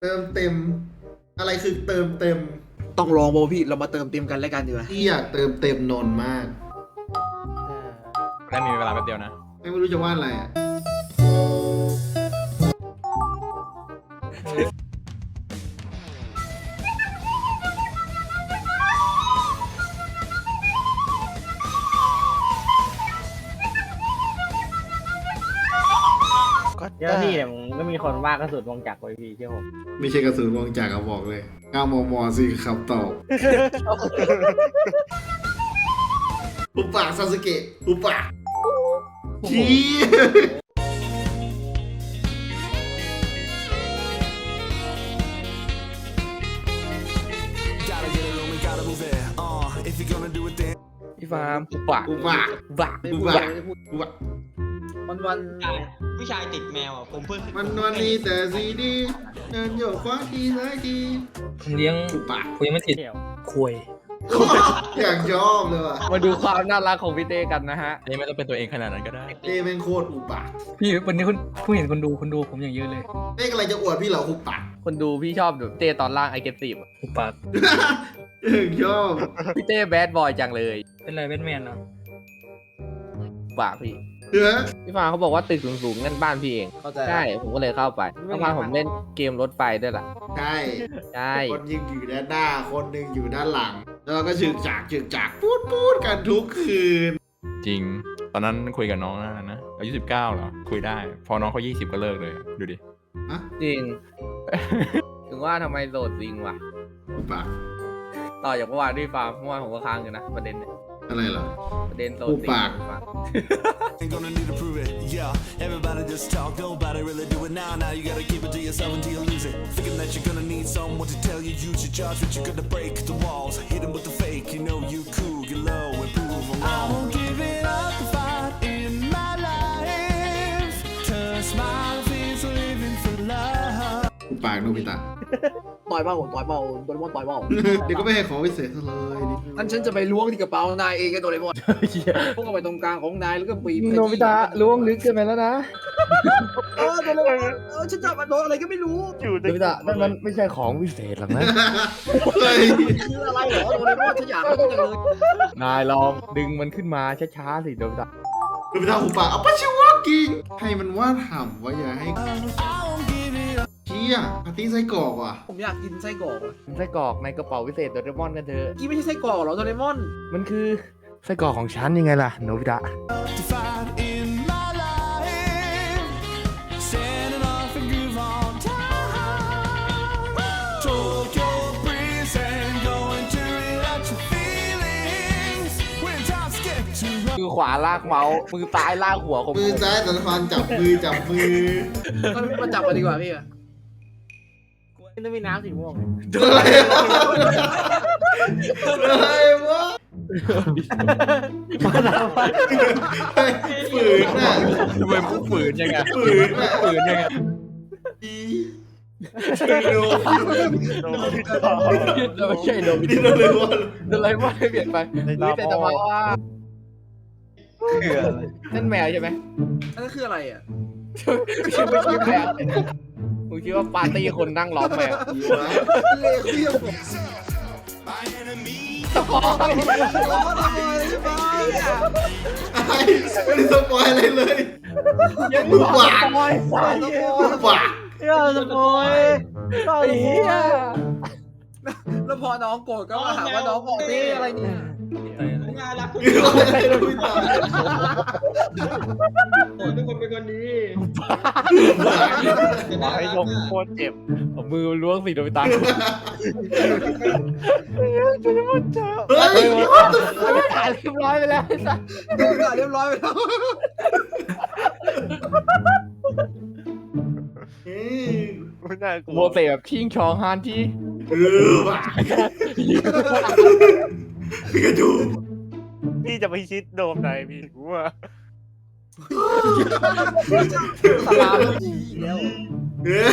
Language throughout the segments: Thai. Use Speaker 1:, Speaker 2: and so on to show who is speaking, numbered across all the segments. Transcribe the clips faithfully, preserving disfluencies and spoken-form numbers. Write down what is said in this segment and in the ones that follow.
Speaker 1: เติมเต็มอะไรคือเติมเต็ม
Speaker 2: ต้องลองโบพี่เรามาเติมเต็มกันแล้วกันดีกว่า
Speaker 1: ที่อยากเติมเต็มนนท์มาก
Speaker 3: ได้มีเวลาแป๊บเดียวนะ
Speaker 1: ไม่รู้จะวาดอะไรอ่ะ
Speaker 4: เจ้าที่เนี่ยมันก็มีคนว่ากระสุนวงจักรไว้พี่เชื่อผม
Speaker 1: ไม่ใช่กระสุนวงจักรอะบอกเลยเก้ามมสิครับตอบอุปะซาสึเกะอุปะชี้
Speaker 5: พี่ฟาร์มอุปะ
Speaker 1: อุปะ
Speaker 5: อุปะ
Speaker 1: อุปะอุปะ
Speaker 2: วันวัน
Speaker 6: ผู้ชายติดแมวอ่ะผมเพิ่ง
Speaker 1: มันวันนี้แต่สีดีเดินโยกขวาทีซ้ายที
Speaker 5: ผมเลี้ยง
Speaker 1: อุปะ
Speaker 5: ผมยังไม่ติด
Speaker 4: เที่ยว
Speaker 5: คุย
Speaker 1: อยากชอบเลยว่ะ
Speaker 5: มาดูความน่ารักของพี่เต้กันนะฮะ
Speaker 3: อันนี้ไม่ต้องเป็นตัวเองขนาดนั้นก็ได้
Speaker 1: เต้แม่งโคตรอุปะ
Speaker 5: พี่วันนี้คุณผู้เห็นคนดูคนดูผมอย่างเยอะเลย
Speaker 1: เต้กำลังจะอวดพี่เหรออุปะ
Speaker 5: คนดูพี่ชอบแบบเต้ตอนล่างไอเกตีฟอุปะ
Speaker 1: อยากชอบ
Speaker 5: พี่เต้แบดบอยจังเลย
Speaker 4: เป็นไรแบทแมนเนาะ
Speaker 5: อุปะพี่
Speaker 1: เฮ้ย
Speaker 5: พี่ฟาร์มเขาบอกว่าตึกสูงๆนั่นบ้านพี่เอง
Speaker 2: เข้าใจ
Speaker 5: ใช่ผมก็เลยเข้าไปเมื่อวานผมเล่นเกมรถไฟด้วยล่ะ
Speaker 1: ใช่
Speaker 5: ใช่
Speaker 1: คนยิงอยู่ด้านหน้าคนหนึ่งอยู่ด้านหลัง แล้วเราก็ฉึกฉากฉึกฉากพูดพูดกันทุกคืน
Speaker 3: จริง ตอนนั้นคุยกับน้องนะนะอายุสิบเก้าเหรอคุยได้ พอน้องเขายี่สิบก็เลิกเลยดูดิ
Speaker 5: จริง ถึงว่าทำไมโสดจริงว่ะ
Speaker 1: อุปะ
Speaker 5: ต่อจากเมื่อวานที่ฟาร์มเมื่อวานผมก็ค้างอยู่นะประเด็นเนี่ย
Speaker 1: อะไรเหรอ
Speaker 5: ประเด็นโสด
Speaker 1: อุ
Speaker 5: จริง
Speaker 1: ปะ
Speaker 7: Ain't gonna need to prove it, yeah. Everybody just talk, nobody really do it now. Now you gotta keep it to yourself until you lose it. Thinking that you're gonna need someone to tell you, you should judge, but you're gonna break the walls. Hit them with the fake, you know you cool, get low and prove them wrong. I won't give it up the fight in my life. Turn smile is living for love.
Speaker 1: อุปะโนบิตะ
Speaker 2: ต่อยเบาต่อยเบาโดเรมอนต่อยเบา
Speaker 1: เดี๋ยวก็ไม่ให้ของพิเศษซะเลยดิ
Speaker 2: งั้นฉันจะไปล้วงที่กระเป๋านายเองกันโดเรมอนพวกเข้าไปตรงกลางของนายแล้วก็ปีบ
Speaker 5: โนบิตะล้วงลึกเกินไปแล้วนะ
Speaker 2: เออโดเรมอนเออฉันจะมาโดนอะไรก็ไม่รู้
Speaker 5: โนบิตะนั่นมันไม่ใช่ของวิเศษหรอกนะ
Speaker 1: เฮ้ย
Speaker 2: คืออะไรเหรอโดเรมอนฉันอยากรู้จังเลย
Speaker 5: นายลองดึงมันขึ้นมาช้าๆสิโนบิตะ
Speaker 1: โนบิตะอุปะเอาปะชิวากิงให้มันว่าถามว่าอย่าให้
Speaker 7: I won't give it up.
Speaker 1: เชี่ยปาร์ตี้ไส้กรอกว่ะ
Speaker 2: ผมอยากกินไส้กรอกอะ
Speaker 5: ไส้กรอกในกระเป๋าวิเศษโดเรมอนกันเถอะ
Speaker 2: กี้ไม่ใช่ไส้กรอกเหรอโดเรมอน
Speaker 5: มันคือไส้กรอกของฉันยังไงล่ะโนบิตะ
Speaker 7: To fight in my life. Standing off and groove on time. Tokyo breeze and going to relax your feelings. When times get too rough.
Speaker 5: มือขวาลากเมาส์มือซ้ายลากหัวของ
Speaker 1: มือซ้ายสันฟันจับมือจับมือ
Speaker 2: มันมาจับมาดีกว่าพี่อะ
Speaker 4: นี่ต้องมีน้ำสีม่วง
Speaker 1: อะไรวะอะไรวะฝืนน่ะ
Speaker 3: ทำไมมึงฝืนยังไง
Speaker 1: ฝืนน่ะ
Speaker 3: ฝืนยังไง
Speaker 1: ดู
Speaker 5: ไม่ใช่โนบิ
Speaker 1: นี่
Speaker 5: ตะ
Speaker 1: เราเลยว่า
Speaker 5: โดเรมอนไม่เปลี่ยนไปมือแต่จะมาว่า
Speaker 3: คืออะไร
Speaker 5: นั่นแมวใช่ไหม
Speaker 2: อันนั้นคืออะไรอะ
Speaker 5: ไม่ใช่ไม่ใช่แมวผมคิดว่าปาร์ตี้คนนั่งล้อมแมว
Speaker 2: เลวเที่ยวผม
Speaker 5: สปอย
Speaker 1: อะไรไม่ได้สปอยอะไรเลยมึงหวาน
Speaker 4: สปอยสปอย
Speaker 1: มึงหวาน
Speaker 4: เฮ้ยสปอย
Speaker 5: ไอ้เหี้ย
Speaker 2: แล้วพอน้องโกรธก็มาหาว่าน้องบอกนี่อะไรเนี่ย
Speaker 6: น่ารักคุณ
Speaker 1: อะไรนะพี่ตา
Speaker 6: ทุกคนเป็นคนดี
Speaker 4: ไอ้ยงโคตรเจ็บ
Speaker 5: เอามือล้วงสีโนบิตะ
Speaker 1: เฮ้ย
Speaker 5: ไม่ถ่ายเรียบร้อยไปแล้ว
Speaker 2: โดนด่าเรียบร้อยไปแล้ว
Speaker 4: ไม่น่ากลั
Speaker 5: โม
Speaker 4: ว
Speaker 5: เสสแบบชิงชองฮานที่
Speaker 1: เออว่ะกระดูก
Speaker 4: พี่จะไปชิดโดมไหนพี่กูว่า
Speaker 5: สลาม
Speaker 2: แล้ว
Speaker 1: เออ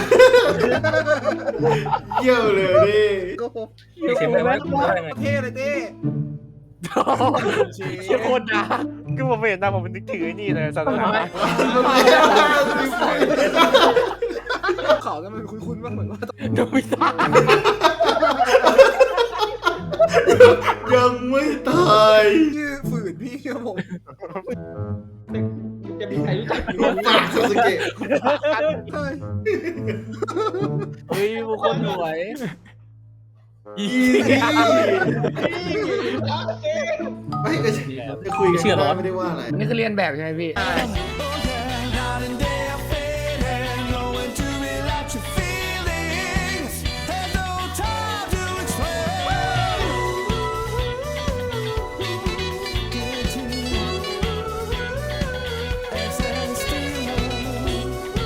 Speaker 1: เยี่ยวเลยดิ
Speaker 2: ก็ผม
Speaker 5: เสียงอะไรวะ
Speaker 2: เท่เลยเต้
Speaker 5: เชี่ยโคตรด่า
Speaker 4: คือผมไม่เห็นหน้าผมนึกถึงไอ้นี่เลยศาสนา
Speaker 2: เขาก็มันคุ้นๆมากเหมือนว่า
Speaker 5: โดมิตา
Speaker 1: ยังไม่ตาย
Speaker 2: ชื่อฝืนพี่ครับผม
Speaker 6: จะมีใครรู้จัก
Speaker 1: รูปปากซาสึเกะ
Speaker 2: เฮ้ย
Speaker 5: เฮ้ยบุคคลสวย
Speaker 1: อีไม่ก็จะคุยกันได้ไม่ได้ว่าอะไร
Speaker 5: นี่คือเรียนแบบใช่ไหมพี่
Speaker 7: Night and day I fade and knowing to relax your feelings. There's no time to explain. Get to access to love.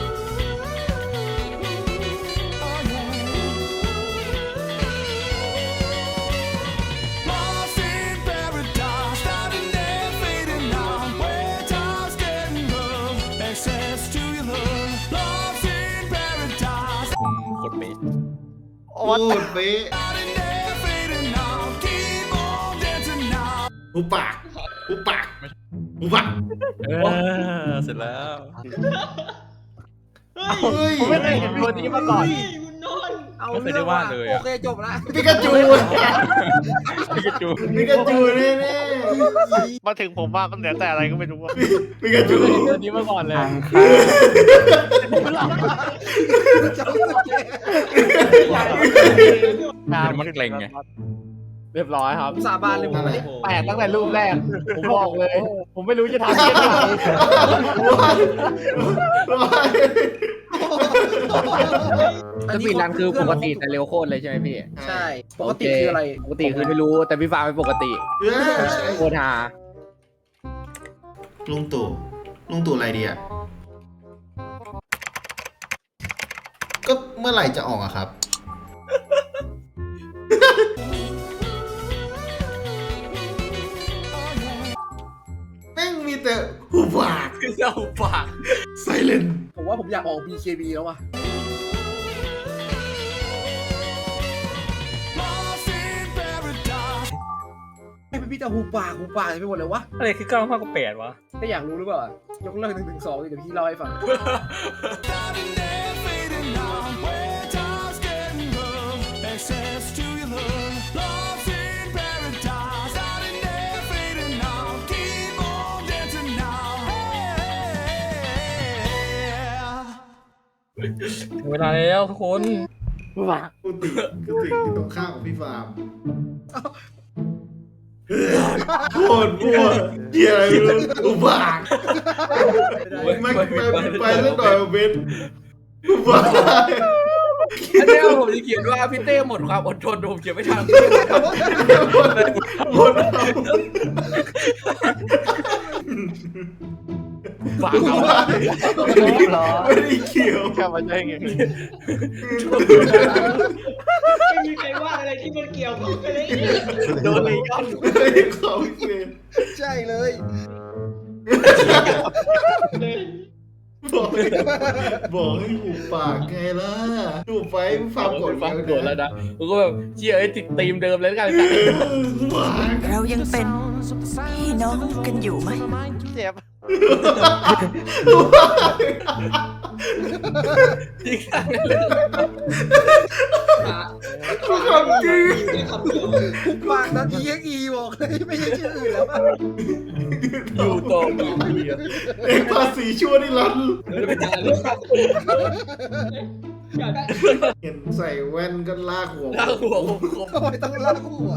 Speaker 7: Oh yeah. Lost in paradise, starting there, fading out. Where time's getting rough, access to your love. Lost in paradise,
Speaker 3: โคตรเป๊ะ
Speaker 1: พูดเป๊ะ
Speaker 7: starting there, fading out. Keep on dancing now.
Speaker 1: หูปากหูปากหูปาก
Speaker 3: เออเสร็จแล้ว
Speaker 1: เฮ้ย
Speaker 5: ผมไม่เคยเห็นตัวนี้มาก่อน
Speaker 6: คุณนนท์
Speaker 2: เอา
Speaker 3: ไม่เคย
Speaker 2: เรื่
Speaker 3: ได้
Speaker 2: อง
Speaker 3: วา
Speaker 2: ว่า
Speaker 3: ดเลย
Speaker 2: โอ
Speaker 3: อะ
Speaker 2: เคจบละ
Speaker 1: ปิกาจู
Speaker 3: ปิกาจู
Speaker 1: ปิกาจูแน่
Speaker 4: มาถึงผมว่ามันเหลือแต่อะไรก็ไม่รู้อะ
Speaker 1: ๆปิกาจู
Speaker 5: ไม่เคยเห็นตัวนี้มาก่อนเลย
Speaker 3: มันเกร็งไง
Speaker 5: เรียบร้อยครับ
Speaker 2: สาบานเลยผมไม่ได้
Speaker 5: แปลกตั้งแต่รูปแรก ผมบอกเลย ผมไม่รู้จะทำยังไง สปีดรันคือปกติแต่เร็วโคตรเลยใช่ไหมพี่
Speaker 2: ใช่ ปกติคืออะไร
Speaker 5: ปกติคือไม่รู้แต่พี่ฟ้าเป็นปกติ
Speaker 1: เออ
Speaker 5: โคตรฮา
Speaker 1: ลุงตู่ลุงตู่อะไรดีอ่ะก็เมื่อไหร่จะออกอะครับ แม่งมีแต่หูปาก
Speaker 5: เจ้าปาก
Speaker 1: ไซเลน
Speaker 2: ผมว่าผมอยากออก บี เค บี แล้วว่ะ
Speaker 7: Lost in paradise.
Speaker 2: ให้เป็นพี่จะหูปากหูปากไปหมดเลยวะ
Speaker 4: อะไรคือเก้าข้ากว่าแปดวะ
Speaker 2: ถ้าอยากรู้หรือเปล่า ยกเลิกหนึ่งถึงสองเดี๋ยวพี่เล่าให้ฟัง
Speaker 7: Starting there, fading out. Where time's getting rough, access to your love. Lost in paradise. Starting there, fading out. Keep on dancing now. Yeah.
Speaker 4: เวลาแล้วทุกคน
Speaker 1: กูติกูติอยู่ตรงข้างของพี่ฟาร์มโคตรมั่วเหี้ยอะไรไม่รู้หูปากไม่ไปไปสักหน่อยเบนหูปาก
Speaker 5: อันนี้ผมจะเขียนว่าพี่เต้หมดความอดทนผมเขียนไม่ทัน
Speaker 1: หมดเอา
Speaker 5: ฝากเอา
Speaker 1: ไม่ได้เกี่ยว
Speaker 4: แค่มาใช่ไง
Speaker 6: ไม่มีใครว่าอะไรที่มันเกี่ยวกับอะไร
Speaker 5: โดนเลยย้อน
Speaker 1: ไม่ได้เขาเลย
Speaker 2: ใช่เลย
Speaker 6: เลย
Speaker 1: บอกให้บอกให้หูปากไงล่ะหูไปฟาร์มกด
Speaker 5: ฟังโดนแล้วนะผมก็แบบเชียร์ไอ้ติดธีมเดิมเลยแล้วกัน
Speaker 1: หูปาก
Speaker 8: เรายังเป็นพี่น้องกันอยู่ไหม
Speaker 4: เจ็บ
Speaker 1: หูปาก
Speaker 5: จริง
Speaker 1: คำจริง
Speaker 6: อยู่ในคำเดียว
Speaker 2: หูปากนั้น อี เอ็กซ์ อี บอกเลยไม่ใช่ชื่ออื่นแล้วอะ
Speaker 5: อยู่ตรงอยู่ดี
Speaker 1: เอกภาษีชั่วนิรันดร์
Speaker 6: ไม่ได้เลยอยากได้
Speaker 1: เห็นใส่แว่นก็ลากหัว
Speaker 5: ลากหัวคมคม
Speaker 2: ทำไมต้องลากหัว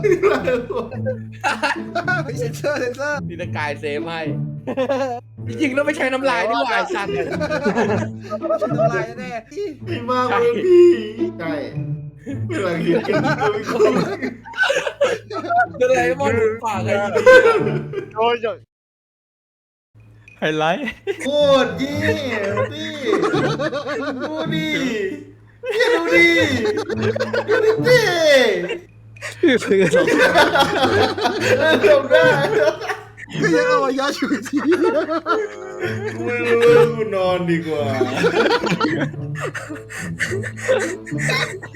Speaker 2: ไม่เซนเซอร์เซนเซอร์
Speaker 5: นี่ตะกายเซฟให้จริงๆแล้วไม่ใช้น้ำลายนี่หว่าไอ้สัตว์
Speaker 2: ทำลายแน่ๆที่
Speaker 1: พี่มากเลยพี่ใช่เวลาเห็นกันก็ไม่คุ้น
Speaker 5: ก็เลยมองปากไอ้
Speaker 4: โอ้ย
Speaker 3: ไฮไลท์
Speaker 1: โคตรเยี่ยมพี่ดูดิพี่ดูดิดูดิพี่จบได้
Speaker 2: ก็ยังเอามายาชูชี
Speaker 1: ไม่รู้เลยกูนอนดีกว่า